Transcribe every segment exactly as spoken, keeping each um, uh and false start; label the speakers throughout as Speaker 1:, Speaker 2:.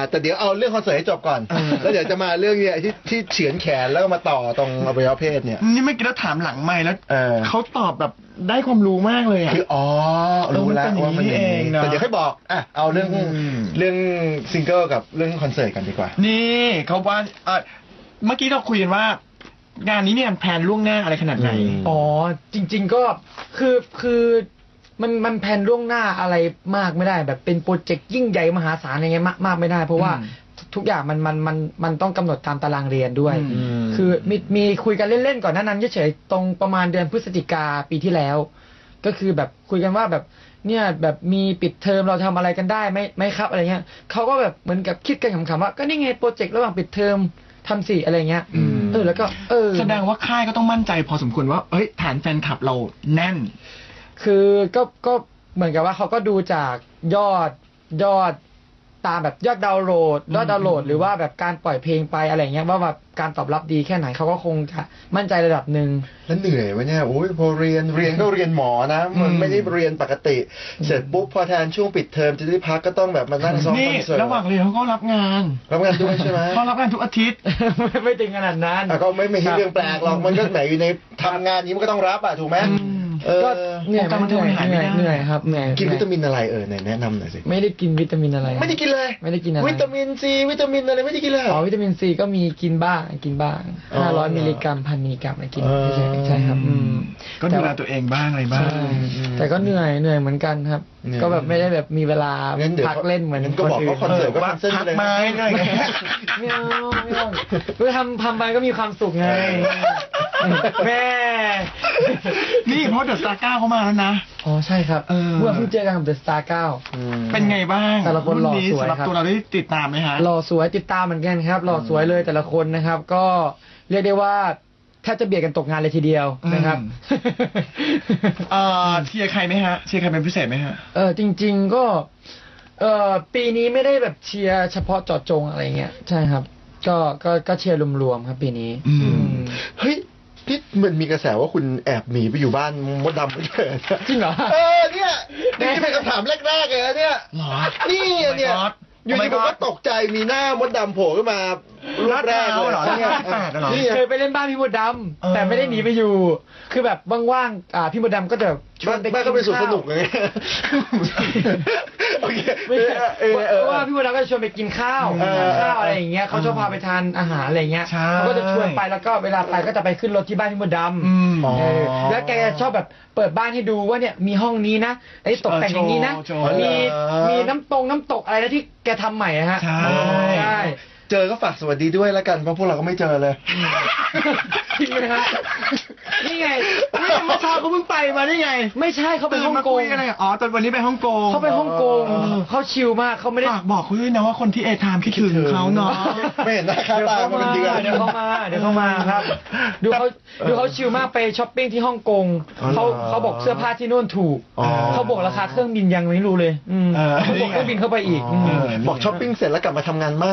Speaker 1: แต่เดี๋ยวเอาเรื่องคอนเสิร์ตให้จบก่อนแล้วเดี๋ยวจะมาเรื่องเนี้ยที่ที่เฉือนแขนแล้วก็มาต่อตรงอวัยวะเพศเนี่ย
Speaker 2: นี่ไม่อกี้เราถามหลังไมค์แล้วเขาตอบแบบได้ความรู้มากเลยอ่ะ
Speaker 1: คืออ๋อรู้แล้วว่ามันเองแต่เดี๋ยวให้บอกอ่ะเอาเรื่องเรื่องซิงเกิลกับเรื่องคอนเสิร์ตกันดีกว่า
Speaker 2: นี่เขาว่าเมื่อกี้เราคุยกันว่างานนี้เนี่ยแพลนล่วงหน้าอะไรขนาดไหน
Speaker 3: อ๋อจริงๆก็คือคือมันมันแพลนล่วงหน้าอะไรมากไม่ได้แบบเป็นโปรเจกต์ยิ่งใหญ่มหาศาลอะไรเงี้ยมากไม่ได้เพราะว่าทุกอย่างมันมันมันมันต้องกำหนดตามตารางเรียนด้วยคือมีมีคุยกันเล่นๆก่อนหน้านั้นเฉยๆตรงประมาณเดือนพฤศจิกาปีที่แล้วก็คือแบบคุยกันว่าแบบเนี่ยแบบมีปิดเทอมเราทำอะไรกันได้ไหมไหมครับอะไรเงี้ยเขาก็แบบเหมือนกับคิดกันขำๆว่าก็นี่ไงโปรเจกต์ระหว่างปิดเทอมทำสิอะไรเงี้ยเออแล้วก็เออ
Speaker 2: แสดงว่าค่ายก็ต้องมั่นใจพอสมควรว่าเอ้ยฐานแฟนคลับเราแน่น
Speaker 3: คือก็ก็เหมือนกับว่าเขาก็ดูจากยอดยอดตามแบบยอดดาวน์โหลดยอดดาวน์โหลดหรือว่าแบบการปล่อยเพลงไปอะไรเงี้ยว่าแบบการตอบรับดีแค่ไหนเขาก็คงจะมั่นใจระดับหนึ่ง
Speaker 1: แล้วเหนื่อยไหมเนี่ยโอ้ยพอเรียนเรียนก็เรียนหมอนะมันไม่ได้เรียนปกติเสร็จปุ๊บพอแทนช่วงปิดเทอมจะได้พักก็ต้องแบบมานั่งซ้อมคอนเสิร์ต
Speaker 2: ระหว่างเรียนเขาก็รับงาน
Speaker 1: รับงานด้วยใช่ไหม
Speaker 2: เขารับงานทุกอาทิตย์
Speaker 3: ไม่ถึงขนาดนั้น
Speaker 1: ก็ไม่ไม่ใช่เรื่องแปลกหรอกมันก็ไหนอยู่ในทำงานนี้มันก็ต้องรับอ่ะถูกไหม
Speaker 3: ก็เหนื่อยเหนื่อยเหนื่อยเหนื่อยครับเหนื่อย
Speaker 1: กินวิตามินอะไรเออไหนแนะนำหน่อยสิ
Speaker 3: ไม่ได้กินวิตามินอะไร
Speaker 1: ไม่ได้กินเลย
Speaker 3: ไม่ได้กินอะไร
Speaker 1: วิตามินซีวิตามินอะไรไม่ได้กินเลย
Speaker 3: อ๋อวิตามินซีก็มีกินบ้างกินบ้างห้าร้อยมิลลิกรัมพันมิลลิกรัมอะไรกินใช่ใช่ครับ
Speaker 2: ก็ดูแลตัวเองบ้างอะไรบ้าง
Speaker 3: แต่ก็เหนื่อยเหนื่อยเหมือนกันครับก็แบบไม่ได้แบบมีเวลาพักเล่นเหมือน
Speaker 1: ก็บอกเขาคอนเสิร์ตก็พักเส้น
Speaker 2: เลยไม้อะไรเงี้ย
Speaker 3: ไม่เอาไม่เอาคือทำทำไปก็มีความสุขไงแม่
Speaker 2: นี่เพราะเดอะสตาร์เก้าเขามาแล้วนะ
Speaker 3: อ๋อใช่ครับเมื่อเพิ่งเจอกันกับเดอะสตาร์เก้า
Speaker 2: เป็นไงบ้าง
Speaker 3: แต่ละคนหล่อสวยครับ
Speaker 2: ตัวเราได้ติดตามไหมฮะ
Speaker 3: หล่อสวยติดตามเหมือนกันครับหล่อสวยเลยแต่ละคนนะครับก็เรียกได้ว่าแทบจะเบียดกันตกงานเลยทีเดียวนะครับ
Speaker 2: เอ่อเชียร์ใครไหมฮะเชียร์ใครเป็นพิเศษไหมฮะ
Speaker 3: เออจริงๆก็เอ่อปีนี้ไม่ได้แบบเชียร์เฉพาะเจาะจงอะไรเงี้ยใช่ครับก็ก็ก็เชียร์รวมๆครับปีนี้
Speaker 1: เฮ้ยที่มันมีกระแสว่าคุณแอบหนีไปอยู่บ้านมดดำไม่ใช่
Speaker 3: จริงเหรอ
Speaker 1: เออเนี่ยนี่เป็นคำถามแรกๆเลยเนี่ยนี่เนี่ยอยู่ดีผมก็ตกใจมีหน้ามดดำโผล่ขึ้นมารูปแรกเลย
Speaker 3: นี่เคยไปเล่นบ้านพี่มดดำแต่ไม่ได้หนีไปอยู่คือแบบว่างๆอ่าพี่มดดำก็จะ
Speaker 1: ชวนไปบ้านก็เป็นสวนสนุกเลยโอเค
Speaker 3: เพราะว่าพี่มดดำก็จะชวนไปกินข้าวข้าวอะไรอย่างเงี้ยเขาชอบพาไปทานอาหารอะไรเงี้ยเขาก็จะชวนไปแล้วก็เวลาไปก็จะไปขึ้นรถที่บ้านพี่มดดำแล้วแกชอบแบบเปิดบ้านให้ดูว่าเนี่ยมีห้องนี้นะไอ้ตกแต่งอย่างนี้นะมีมีน้ำตรงน้ำตกอะไรนะที่แกทำใหม่ฮะใช่
Speaker 1: เจอก็ฝากสวัสดีด้วยแล้วกันเพราะพวกเราก็ไม่เจอเลย
Speaker 3: จริงไหมฮะนี่ไง
Speaker 2: นี่เมื่อเช้าเขาเพิ่งไปมาได้ไง
Speaker 3: ไม่ใช่เขาไปฮ่องกง
Speaker 2: อะไรอ๋อตอนวันนี้ไปฮ่องกง
Speaker 3: เขาไปฮ่องกงเขาชิลมากเขาไม่ได้
Speaker 2: บอกเขาด้วยนะว่าคนที่เอทามคิดถึงเขาเนาะ
Speaker 1: ไม่เห็นหน้าค่าตามาเป็นเดือน
Speaker 3: เดี๋ยวเขามาเดี๋ยวเขามาครับดูเขาดูเขาชิลมากไปช้อปปิ้งที่ฮ่องกงเขาเขาบอกเสื้อผ้าที่นู่นถูกเขาบอกราคาเครื่องบินยังไม่รู้เลยเขาบอกเครื่องบินเข้าไปอีก
Speaker 1: บอกช้อปปิ้งเสร็จแล้วกลับมาทำงานมั่ง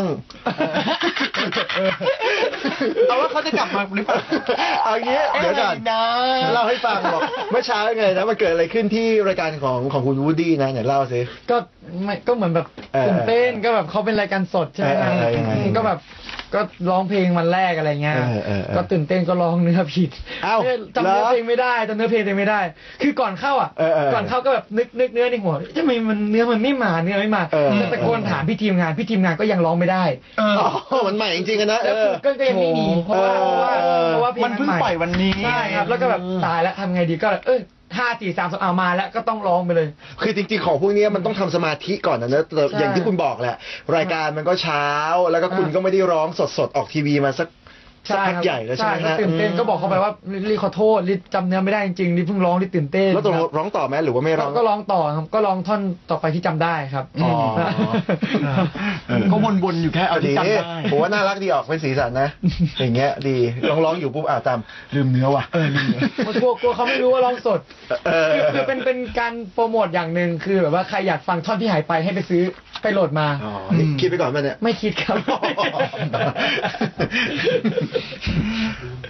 Speaker 2: เอาว่าเขาจะกลับมาหรือเปล่า
Speaker 1: เอางี้เดี๋ยวก่อนเล่าให้ฟังบอกเมื่อเช้าไงนะมันเกิดอะไรขึ้นที่รายการของของคุณวูดดี้นะไหนเล่าสิ
Speaker 3: ก็ไม่ก็เหมือนแบบตื่นเต้นก็แบบเขาเป็นรายการสดใช่ไหมก็แบบก็ร้องเพลงวันแรกอะไรเงี้ยก็ตื่นเต้นก็ร้องเนื้อผิดจำเนื้อเพลงไม่ได้จำเนื้อเพลงตัวเองไม่ได้คือก่อนเข้าอ่ะก่อนเข้าก็แบบนึกนึกเนื้อในหัวทำไมมันเนื้อมันไม่มาเนื้อไม่มาตะโกนถามพี่ทีมงานพี่ทีมงานก็ยังร้องไม่ได้
Speaker 1: มันใหม่จริงๆนะ
Speaker 3: แล้วก็ก็ยังไม่มีเพราะว่าเพราะว่า
Speaker 2: มันเพิ่งปล่อยวันนี้
Speaker 3: ใช่ครับแล้วก็แบบตายแล้วทำไงดีก็เออห้าสี่สามสองเอามาแล้วก็ต้องร้องไปเลย
Speaker 1: คือจริงๆของพวกนี้มันต้องทำสมาธิก่อนนะเนอะอย่างที่คุณบอกแหละรายการมันก็เช้าแล้วก็คุณก็ไม่ได้ร้องสดๆออกทีวีมาสักสักพักใหญ่แล้วใช่ไหมฮะ
Speaker 3: ตื่นเต้นก็บอกเขาไปว่ารีขอโทษรีจำเนื้อไม่ได้จริงๆรีเพิ่งร้องรีตื่นเต้น
Speaker 1: แล้วตกลงร้องต่อไหมหรือว่าไม่ร้อง
Speaker 3: ก็ร้องต่อครับก็ร้องท่อนต่อไปที่จำได้ครับอ๋อ
Speaker 2: ก็วนๆอยู่แค่เอาที่จำได้
Speaker 1: ผมว่าน่ารักดีออกเป็นสีสันนะอย่างเงี้ยดีร้องร้องอยู่ปุ๊บอ่าจำลืมเนื้อว่ะ
Speaker 3: เออลืมเนื้อกลัวกลัวเขาไม่รู้ว่าร้องสดคือเป็นเป็นการโปรโมทอย่างหนึ่งคือแบบว่าใครอยากฟังท่อนที่หายไปให้ไปซื้อไปโหลดมา
Speaker 1: อ๋อคิดไปก่อนไหมเนี่ย
Speaker 3: ไม่คิดครับ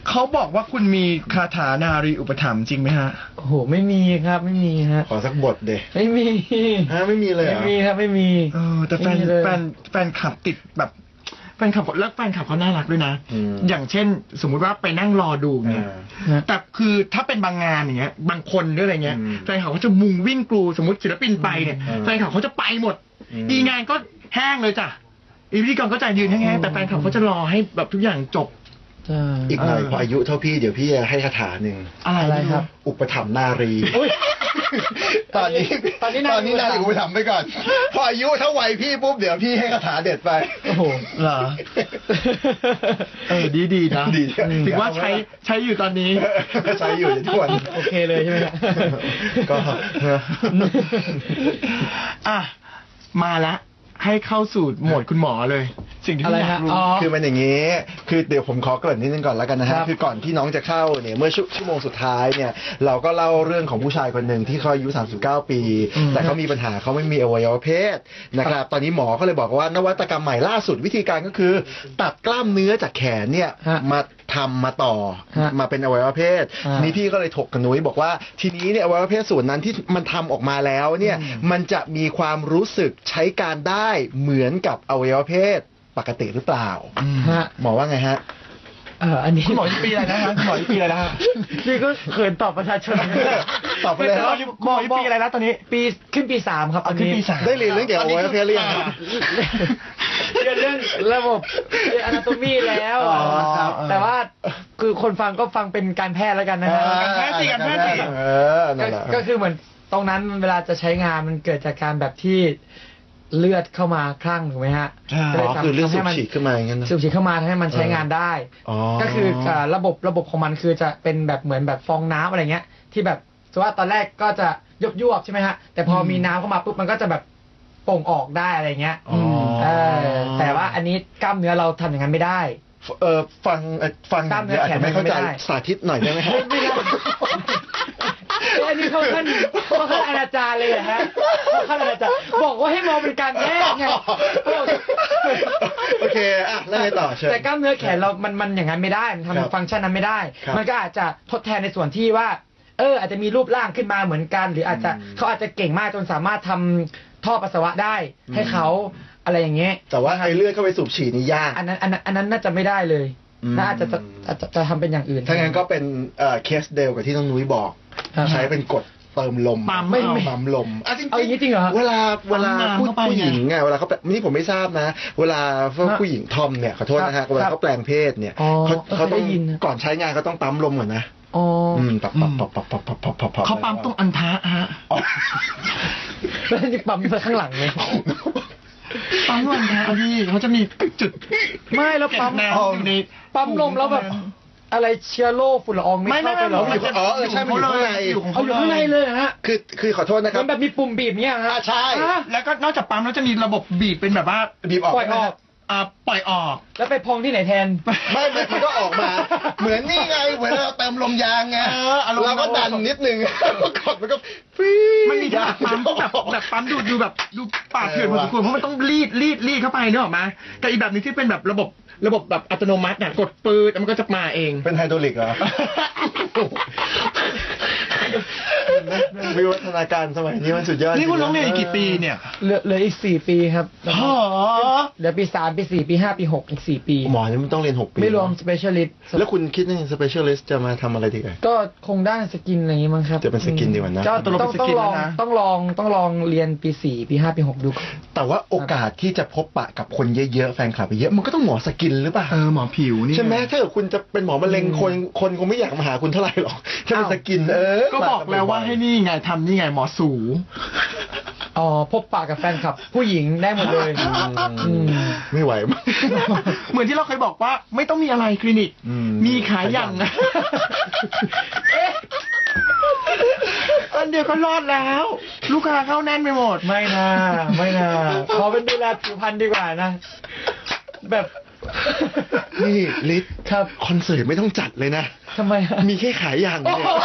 Speaker 2: เขาบอกว่าคุณมีคาถานารีอุปถัมภ์จริงไหมฮะ
Speaker 3: โอ้โหไม่มีครับไม่มีฮะ
Speaker 1: ขอสักบทเด
Speaker 3: ไม่มี
Speaker 1: ฮะไม่มีเลยเหร
Speaker 3: ไม่
Speaker 1: อ
Speaker 3: มีครับไม่มี
Speaker 2: เออแต่แฟน
Speaker 3: ไม่มีเลย
Speaker 2: แฟนแฟนคลับติดแบบแฟนคลับแล้วแฟนคลับเขาน่ารักด้วยนะ
Speaker 1: อืม
Speaker 2: อย่างเช่น สมมุติว่าไปนั่งรอดูเนี่ย
Speaker 1: อ่า
Speaker 2: แต่คือถ้าเป็นบางงานอย่างเงี้ย บางคนด้วยอะไรเงี้ย
Speaker 1: อืม
Speaker 2: แฟนคลับเขาจะมุงวิ่งกรูสมมติศิลปินไปเนี่ย
Speaker 1: อืม
Speaker 2: แฟนคลับเขาจะไปหมด
Speaker 1: อืม
Speaker 2: อีงานก็แห้งเลยจ้ะอีพิธีกรก็จะยืนแห้งๆแต่แฟนคลับเขาจะรอให้แบบทุกอย่างจบ
Speaker 3: ใช่
Speaker 1: อีกหน่อย
Speaker 2: เออ
Speaker 1: พออายุเท่าพี่เดี๋ยวพี่จะให้คาถาหนึ่ง
Speaker 2: อะไร
Speaker 3: อะไร
Speaker 2: ไม่
Speaker 3: ครับ
Speaker 1: อุปถัมภ์นารี
Speaker 3: อุ๊ย
Speaker 1: ตอนนี้
Speaker 3: ตอนนี้
Speaker 1: ตอนนี้
Speaker 3: นา
Speaker 1: นา
Speaker 3: รี
Speaker 1: รี
Speaker 3: อุ
Speaker 1: อุ
Speaker 3: ป
Speaker 1: ป
Speaker 3: ถั
Speaker 1: ถั
Speaker 3: ม
Speaker 1: ม
Speaker 3: ภ์
Speaker 1: ภ์ไปก่อน พออายุเท่าวัยพี่ปุ๊บเดี๋ยวพี่ให้คาถาเด็ดไป
Speaker 3: โอ้โห
Speaker 2: เหรอ เออดีดีๆนะ
Speaker 1: ดี
Speaker 2: ถือว่าใช้ใช้อยู่ตอนนี้
Speaker 1: ใช้อยู่ในทุกวัน
Speaker 3: โอเคเลยใช่ไหมครับ
Speaker 1: ก็
Speaker 2: อ่ะมาละให้เข้าสู่โหมดคุณหมอเลย สิ่งที่
Speaker 3: อะไร
Speaker 2: พี่อยาก
Speaker 3: ฮะ
Speaker 2: รู้
Speaker 3: อ๋อ
Speaker 1: คือมันอย่างนี้ คือเดี๋ยวผมขอเกริ่นนิดนึงก่อนแล้วกันนะ
Speaker 3: ค
Speaker 1: ฮะ
Speaker 3: รับ
Speaker 1: คือก่อนที่น้องจะเข้าเนี่ยเมื่อชั่วชั่วโมงสุดท้ายเนี่ย เราก็เล่าเรื่องของผู้ชายคนหนึ่งที่เขาอายุสามสิบเก้าปี
Speaker 3: อืม
Speaker 1: แต่เขามีปัญหาเขาไม่มีอวัยวะเพศนะครับ ตอนนี้หมอก็เลยบอกว่านวัตกรรมใหม่ล่าสุดวิธีการก็คือ ตัดกล้ามเนื้อจากแขนเนี่ย
Speaker 3: ฮะ
Speaker 1: มาทำมาต่อ
Speaker 3: ฮะ
Speaker 1: มาเป็นอวัยวะเพศ
Speaker 3: อ่า
Speaker 1: นี่พี่ก็เลยถกกับนุ้ยบอกว่าทีนี้เนี่ยอวัยวะเพศส่วนนั้นที่มันทำออกมาแล้วเนี่ย
Speaker 3: อืม
Speaker 1: มันจะมีความรู้สึกใช้การได้เหมือนกับอวัยวะเพศปกติหรือเปล่า
Speaker 3: ฮะ
Speaker 1: หมอว่าไงฮะ
Speaker 3: เอออันนี้
Speaker 2: คุณหมอที่ปีอะไรนะฮะคุณหมอที่ปีอะไรนะฮะ
Speaker 3: นี่ก็เขินตอบประชาชน
Speaker 1: ตอบไปเลย
Speaker 2: คุณหมอที่คุณหมอที่ปีอะไรนะตอนนี้
Speaker 3: ปีขึ้นปีสามครับ
Speaker 2: อ่ะขึ้นปีสาม
Speaker 1: ได้เรียนเรื่องเกี่ยวกับอวัยวะเพศหรือยังครับ
Speaker 3: เรียนเรื่องระบบเรียนอนาโตมีแล้ว
Speaker 1: อ๋อครับ
Speaker 3: แต่ว่าคือคนฟังก็ฟังเป็นการแพทย์แล้วกันนะฮะ
Speaker 2: การแพทย์สิการแพทย์สิ
Speaker 1: เออนั่
Speaker 3: ก็
Speaker 1: นแหละ
Speaker 3: ก็คือเหมือนตรงนั้นเวลาจะใช้งานมันเกิดจากการแบบที่เลือดเข้ามาคลั่งถูกไหมฮะ
Speaker 2: ใช่
Speaker 3: ก็
Speaker 1: อ๋
Speaker 3: ลย
Speaker 1: อ
Speaker 3: ทำ
Speaker 1: คือเรื่องสู
Speaker 3: ให้
Speaker 1: บ
Speaker 3: มัน
Speaker 1: ฉีดขึ้นมาอย่างนั้นนะ
Speaker 3: สูบฉีดเข้ามาทำให้มันใช้งานได้
Speaker 1: อ๋อ
Speaker 3: ก็คืออ่าระบบระบบของมันคือจะเป็นแบบเหมือนแบบฟองน้ำอะไรเงี้ย ที่แบบสมมติว่าตอนแรกก็จะยุบยวบๆใช่ไหมฮะแต่พอมีน้ำเข้ามาปุ๊บมันก็จะแบบโป่งออกได้อะไรเงี้ย
Speaker 1: อ๋อ
Speaker 3: เออแต่ว่าอันนี้กล้ามเนื้อเราทำอย่างนั้นไม่ได้
Speaker 1: เออฟังเอ่อฟัง
Speaker 3: กล้ามเนื้อ
Speaker 1: อาจจะไม่เข้าใจ
Speaker 3: แขนไม่ได้
Speaker 1: สาธิตหน่อยได้ไหมฮะ
Speaker 3: ไม่ได้อันนี้เขาขั้นเขาขั้นอนาจารเลยเหรอฮะเขาขั้นอนาจารบอกว่าให้มองเป็นการแพทย์ไง
Speaker 1: โอเคอ่ะแล้วไงต่อเชิญ
Speaker 3: แต่กล้ามเนื้อแขนเรา มัน มันอย่างนั้นไม่ได้ มัน
Speaker 1: ครับ
Speaker 3: ทำฟังก์ชันนั้นไม่ได้
Speaker 1: ครับ
Speaker 3: มันก็อาจจะทดแทนในส่วนที่ว่า เออ อาจจะมีรูปร่างขึ้นมาเหมือนกัน หรืออาจจะ
Speaker 1: อืม
Speaker 3: เขาอาจจะเก่งมากจนสามารถทำท่อปัสสาวะได้
Speaker 1: อืม
Speaker 3: ให้เขาอะไรอย่างเงี้ย
Speaker 1: แต่ว่าไอ้เลือดเข้าไปสูบฉีดนี่ยาก
Speaker 3: อันนั้น อันนั้น อันนั้นน่าจะไม่ได้เลย
Speaker 1: อืม
Speaker 3: น่าจะจะจะจะจะทำเป็นอย่างอื่น
Speaker 1: ถ้างั้นก็เป็นเอ่อเคสเดียวกับที่น้องนุ้ยบอก
Speaker 3: ครับ
Speaker 1: ใช้เป็นกดเติมลม
Speaker 2: ปั๊ม
Speaker 3: ไม่
Speaker 2: เอา
Speaker 3: ไม่
Speaker 1: ปั๊มลมอ่ะจริงๆ
Speaker 3: เอาอย่างนี้จริงเหรอฮะ
Speaker 1: เวลาเวลา
Speaker 2: ปั๊มน้ำ
Speaker 1: ผู้
Speaker 2: เข้าไป
Speaker 1: ผู้หญิง
Speaker 2: ไง
Speaker 1: อ่ะเวลาเขาแปลนี่ผมไม่ทราบนะ เวลาพวก
Speaker 3: ฮะ
Speaker 1: ผู้หญิงทอมเนี่ยขอโทษนะ
Speaker 3: ครั
Speaker 1: ฮะ
Speaker 3: บ
Speaker 1: เวลาเขาแปลงเพศเนี่ย
Speaker 3: อ๋อ
Speaker 1: เขาเขาต้อง
Speaker 3: เคยได้ยินนะ
Speaker 1: ก่อนใช้งานเขาต้องปั๊มลมก่อนนะ
Speaker 3: อ๋ออ
Speaker 1: อืมปับปับปับปับปับปับปับปับปับ
Speaker 2: เขาปั๊มตรงอันทะฮะ
Speaker 1: อ๋อ
Speaker 3: แล้วนี่ปั๊มไปข้างหลังเลย
Speaker 2: ปั๊มอันทะพี่เขาจะมีจุด
Speaker 3: ไม่แล้วปั๊ม
Speaker 2: เก็บน้ำอยู่ใน
Speaker 3: ปั๊มลมแล้วแบบ อะไรเชื้อโรคฝุ่นละอองไม่
Speaker 2: ไม่
Speaker 3: เข้าไป
Speaker 2: ไม่
Speaker 3: เหรอ
Speaker 2: ไม่
Speaker 1: อยู่อ๋อเออใช่มันอยู่ข้างใน
Speaker 2: อยู่ของ
Speaker 3: เอา
Speaker 2: เขา
Speaker 3: อยู่ข้างในเลยเหรอฮะ
Speaker 1: คือคือขอโทษนะค
Speaker 3: มั
Speaker 1: รับ
Speaker 3: นแบบมีปุ่มบีบเนี้ยฮะ
Speaker 1: อ่าใช่
Speaker 3: ฮะ
Speaker 2: แล้วก็นอกจากปั๊มแล้วจะมีระบบบีบเป็นแบบว่า
Speaker 1: บีบออก
Speaker 3: ปล่อยออก
Speaker 2: อ่าปล่อยออก
Speaker 3: แล้วไปพองที่ไหนแทน
Speaker 1: ไม่ไม่มันก็ออกมา เหมือนนี่ไงเหมือนเราเติมลมยางไง
Speaker 2: เอออารมณ์
Speaker 1: เราก็ดันนิดนึงแล้วกดมันก็ฟี๊ด
Speaker 2: มันมีแบบปั๊มที่แบบแบบปั๊มดูดดูแบบดูปากเถื่อนพอสมควรเพราะมันต้องรีดรีดรีดเข้าไปเนกอะมาแต่อีกแบบหนึงที่เป็นแบบระบบระบบแบบอัตโนมัติเนี่ยกดปืนแล้วมันก็จะมาเอง
Speaker 1: เป็นไฮดรอลิกเหรอ วิวัฒนาการสมัยนี้มันสุดยอด
Speaker 2: นี่คุณร้องเรียนอีกกี่ปีเนี่ย
Speaker 3: เหลือเหลืออีกสี่ปีครับ
Speaker 2: หอ
Speaker 3: เหลือปีสามปีสี่ปีห้าปีหกอีกสี่ปี
Speaker 1: หมอนี่มันต้องเรียนหกปี
Speaker 3: ไม่รวม specialist
Speaker 1: แล้วคุณคิดว่า specialist จะมาทำอะไรดีกัน
Speaker 3: ก็คงด้านสกินอะไรอย่างงี้มั้งครับ
Speaker 1: จะเป็นสกินดีกว่านะ
Speaker 3: ก็
Speaker 2: ตกลง
Speaker 3: ต้อง
Speaker 2: เป็นส
Speaker 3: ต้อง
Speaker 2: กิน
Speaker 3: ลอง
Speaker 2: แล้วนะ
Speaker 3: ต้องลองต้องลองเรียนปีสี่ปีห้าปีหกดูก่อน
Speaker 1: แต่ว่าโอกาสที่จะพบปะกับคนเยอะๆแฟนคลับเยอะมันก็ต้องหมอสกินหรือเปล่า
Speaker 2: เออหมอผิวนี่
Speaker 1: ใช่ไหมถ้าเกิดคุณจะเป็นหมอมะเร็งคนคนคงไม่อยากมาหาคุณเท่าไหร่หรอกถ้าเป็นสกินเออ
Speaker 2: ก็บอกแล้วว่าให้นี่ไงทำนี่ไงหมอสู
Speaker 3: อ๋อพบปะกับแฟนคลับ ผู้หญิงได้หมดเลย
Speaker 1: อืมไม่ไหวมาก
Speaker 2: เหมือนที่เราเคยบอกว่าไม่ต้องมีอะไรคลินิก
Speaker 1: อืม
Speaker 2: มีขายอย่างนะอันเดียวก็รอดแล้ว ลูกค้าเข้าแน่นไปหมด
Speaker 3: ไม่น่าไม่น่าขอเป็นดูแลผิวพรรณดีกว่านะ แบบ
Speaker 1: นี่ลิศ
Speaker 3: ครับ
Speaker 1: คอนเสิร์ตไม่ต้องจัดเลยนะ
Speaker 3: ทำไมฮะ
Speaker 1: มีแค่ขายอย่าง
Speaker 3: โอ้
Speaker 1: เนี่
Speaker 3: โห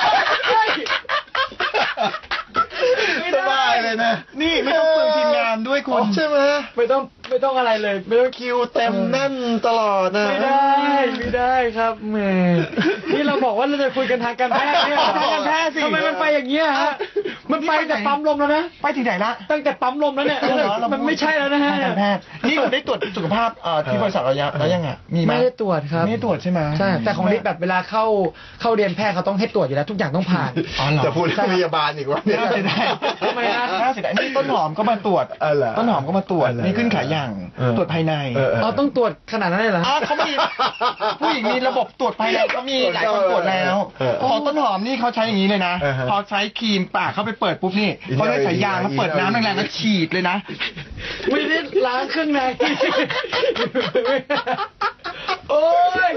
Speaker 1: ยสบายเลยนะ
Speaker 2: นี่ไม่ต้องเปลืองทีมงานด้วยคุณ
Speaker 1: ใช่ไหม
Speaker 3: ไม่ต้องไม่ต้องอะไรเลยไม่ต้อง
Speaker 1: คิวเต็มแน่นตลอดนะ
Speaker 3: ไม่ได้ไม่ได้ครับแหมนี่เราบอกว่าเราจะคุยกันทางการแพทย์เนี่ย
Speaker 2: ทางการแพทย์สิ
Speaker 3: ทำไมมันไปอย่างเงี้ยฮะมันไปแต่ปั๊มลมแล้วนะ
Speaker 2: ไปถึงไหนละ
Speaker 3: ตั้งแต่ปั๊มลมแล้วเนี่ย
Speaker 2: เอาเหรอเรา
Speaker 3: มันไม่ใช่แล้วนะฮะ
Speaker 2: ทางการแพทย์นี่คุณได้ตรวจสุขภาพเอ่อที่บริษัทเรายังแล้วยังอ่ะมีไหม
Speaker 3: ไม่ได้ตรวจครับ
Speaker 2: ไม่ได้ตรวจใช่ไหม
Speaker 3: ใช่แต่ของลิศแบบเวลาเข้าเข้าเรียนแพทย์เขาต้องให้ตรวจอยู่แล้วทุกอย่างต้องผ่าน
Speaker 2: อ๋อเหรอ
Speaker 1: จะพูดเรื่องพยาบาลอีกว่าเนี่ย
Speaker 2: น่าเสียดาย
Speaker 3: ทำไมนะ
Speaker 2: น่าเสียดายนี่ต้นหอมก็มาตรวจ
Speaker 1: เออเหรอ
Speaker 2: ต้นหอมก็มาตรวจ
Speaker 1: เออเหรอ
Speaker 2: นี่ขึ้นขายอย่าง
Speaker 1: เออ
Speaker 2: ตรวจภายใน
Speaker 1: เออเออ
Speaker 3: อ๋อต้องตรวจขนาดนั้นเลยเหรอ
Speaker 2: อ๋อเขามีผู้หญิงมีระบบตรวจภายในก็มีหลายคนตรวจแล้ว
Speaker 1: เออ
Speaker 2: พอต้นหอมนี่เขาใช้อย่างนี้เลยนะ
Speaker 1: เออฮะ
Speaker 2: พอใช้ครีมปากเข้าไปเปิดปุ๊บนี่
Speaker 1: อินเดีย
Speaker 2: เขาเลยสายยาง
Speaker 1: อินเดีย
Speaker 2: เขาเปิดน้ำแรงๆแล้วฉีดเลยนะ
Speaker 3: ไม่ได้ล้างเครื่องในโอ้ย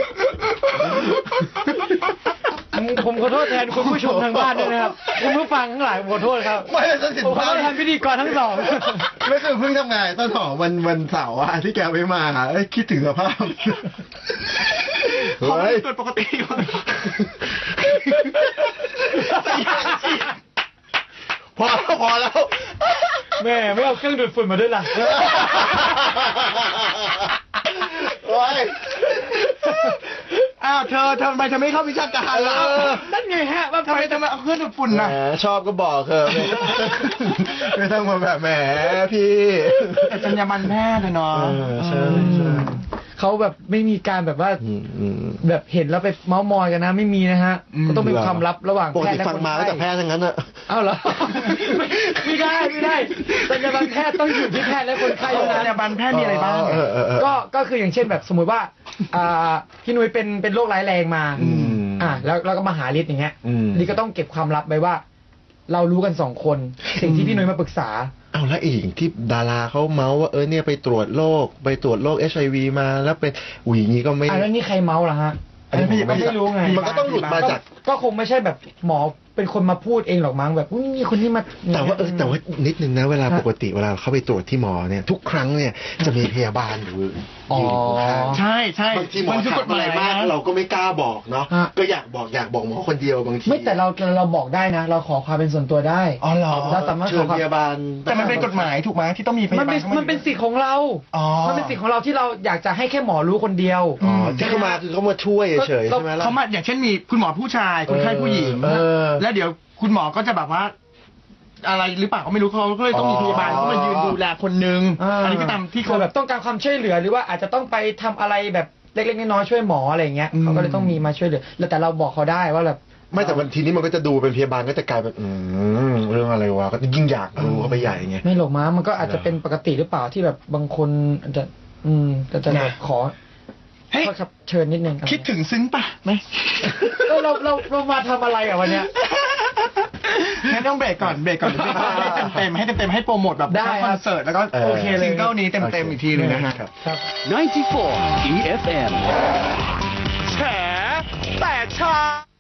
Speaker 3: ผมขอโทษแทนคุณผู้ชมทางบ้านด้วยนะครับคุณผู้ฟังทั้งหลายผมขอโทษครับ
Speaker 1: ไม่ได้สิน
Speaker 3: ผมขอ
Speaker 1: ภา
Speaker 3: โท
Speaker 1: พ
Speaker 3: ษแทนพิธีกรทั้งสอง
Speaker 1: ไม่เคยเพิ่งทำงานต้นหอมวันวันเสาร์อะที่แกไม่มาเอ้ยคิดถึงสภาพ
Speaker 2: เขาไม่
Speaker 1: เฮ้ย
Speaker 2: ได้ตรวจปกติสายยางฉีด
Speaker 1: พอแล้วพอแล้ว
Speaker 3: แม่ไม่เอาเครื่องดูดฝุ่นมาด้วยล่ะ
Speaker 1: โอ้ย
Speaker 2: อ้าวเธอเธอทำไมเธอไม่เข้าวิชาการล่ะ
Speaker 1: เออ
Speaker 3: นั่นไงฮะว่า
Speaker 2: ทำไมทำไมเอาเครื่องดูดฝุ่น
Speaker 1: แหม
Speaker 2: น่ะ
Speaker 1: ชอบก็บอกเธอไม่ไม่ต้องมาแบบแหมพี่
Speaker 2: แต่จรรยาบรรณแพทย์อะเนาะ
Speaker 1: เออใช่ใช่
Speaker 3: เขาแบบไม่มีการแบบว่า
Speaker 1: อืมอืม
Speaker 3: แบบเห็นแล้วไปเมาส์มอยกันนะไม่มีนะฮะ
Speaker 2: อืม
Speaker 3: ก็ต้องเป็นความลับระหว่าง
Speaker 1: ปก
Speaker 3: แพท
Speaker 1: ติ
Speaker 3: ย์และ
Speaker 1: ฟัง
Speaker 3: คน
Speaker 1: มาก็
Speaker 3: ไข้
Speaker 1: แต่แพทย์ทั้งนั้นอะ
Speaker 3: เอ้าเหรอ ไม่ไม่ได้ไม่ได้แต่ยาบันแพทย์ต้องอยู่ที่แพทย์และคนไข้
Speaker 2: จ
Speaker 3: เท่าร นั้
Speaker 2: รยาน บรรณแพทย์มีอะไรบ้าง
Speaker 1: เออเออเออ
Speaker 3: ก็ก็คืออย่างเช่นแบบสมมุติว่าอ่าพี่นุ้ยเป็นเป็นโรคร้ายแรงมา
Speaker 1: อืม
Speaker 3: อ่าแล้วเราก็มาหาลิศอย่างเงี้ย
Speaker 1: อืม
Speaker 3: ลิศก็ต้องเก็บความลับไว้ว่า เรารู้กันสองคน สิ่งที่พี่นุ้ยมาปรึกษา
Speaker 1: เอาแล้วอีกที่ดาราเขาเมาส์ว่าเออเนี่ยไปตรวจโรคไปตรวจโรคเอชไอวีมาแล้วเป็นอุ้ยอย่างนี้ก็ไม่
Speaker 3: อ่าแล้วนี่ใครเมาส์ล่ะฮะ
Speaker 1: อันนี้ผม
Speaker 3: ก็ไม่รู้ไง
Speaker 1: มันก็ต้องหลุดมาจาก
Speaker 3: ก็คงไม่ใช่แบบหมอเป็นคนมาพูดเองหรอกมั้งแบบอุ้ยมีคนที่มา
Speaker 1: แต่ว่าเออแต่ว่านิดนึงนะเวลา
Speaker 3: ฮะ
Speaker 1: ปกติเวลาเขาไปตรวจที่หมอเนี่ยทุกครั้งเนี่ยจะมีพยาบาลอยู่
Speaker 3: อ๋อ
Speaker 1: ยืนอยู่ข้าง
Speaker 2: ใช่ใช่
Speaker 1: บางทีหมอ
Speaker 2: มันคือก
Speaker 1: ถา
Speaker 2: ฎ
Speaker 1: ม
Speaker 2: ห
Speaker 1: อะไร
Speaker 2: มาย
Speaker 1: มาก
Speaker 2: นะ
Speaker 1: เราก็ไม่กล้าบอกเนาะ
Speaker 3: ฮะ
Speaker 1: ก็อยากบอกอยากบอกหมอคนเดียวบางที
Speaker 3: ไม่แต่เราเราบอกได้นะ เราขอความเป็นส่วนตัวได้
Speaker 2: อ๋อเหรอ
Speaker 3: เราสามารถ
Speaker 1: เชิ
Speaker 3: ข
Speaker 1: ญ
Speaker 3: อความ
Speaker 1: พยาบาล
Speaker 2: แต่มันเป็นกฎหมายถูกไหมที่ต้องมีพยา
Speaker 3: มัน
Speaker 2: บาล
Speaker 3: เป็น
Speaker 2: ข้าา
Speaker 3: มันเป็นสิทธิ์ของเรา
Speaker 2: อ๋อ
Speaker 3: มันเป็นสิทธิ์ของเราที่เราอยากจะให้แค่หมอรู้คนเดียว
Speaker 1: อ๋อที่เขามาคือเขามาช่วยเฉยๆ
Speaker 3: ก็
Speaker 1: ใช่ไหมล่ะ
Speaker 2: เขามาอย่างเช่นมีคุณหมอผู้ชายคนไข้ผู้หญิง
Speaker 1: เออ
Speaker 2: แล้วเดี๋ยวคุณหมอก็จะแบบว่า อะไรหรือเปล่าก็ไม่รู้เขาก็เลยต้องมีพยาบาลเข้ามายืนดูแลคนนึง
Speaker 3: อ่า
Speaker 2: อันนี้ก็ตามที่
Speaker 3: คื
Speaker 2: เขา
Speaker 3: อแบบต้องการความช่วยเหลือหรือว่าอาจจะต้องไปทำอะไรแบบเล็กๆน้อยๆช่วยหมออะไรอย่างเงี้ย
Speaker 2: อืม
Speaker 3: เขาก็เลยต้องมีมาช่วยเหลือแล้วแต่เราบอกเขาได้ว่าแบบ
Speaker 1: ไม่แต่วันทีนี้มันก็จะดูเป็นพยาบาลก็จะกลายเป็นอืมเรื่องอะไรวะก็ยิ่งอยากรู้เข้าไปใหญ่ไง
Speaker 3: ไม่หรอกมั้งมันก็อาจจะเป็นปกติหรือเปล่าที่แบบบางคนอาจจะอืมแต่จะแบบขอ
Speaker 2: เฮ้ย
Speaker 3: โทษครับเชิญนิดนึง
Speaker 2: คิดถึงซึ้งปะไหม
Speaker 3: ก็เราเราเรามาทำอะไรอ่ะวันเนี้ย
Speaker 2: งั้นต้องเบรกก่อนเบรกก่อนเบรกก่อนให้เต็มๆให้เต็มๆให้โปรโมทแบบ
Speaker 3: ได้
Speaker 2: คอนเสิร์ตแล้วก็
Speaker 1: เออ
Speaker 2: โอเคเลยซิงเกิลนี้เต็มๆอีกทีหนึงนะฮะ
Speaker 1: ครับ
Speaker 3: ครับ
Speaker 4: ninety-four E F M
Speaker 2: แฉแต่เช้า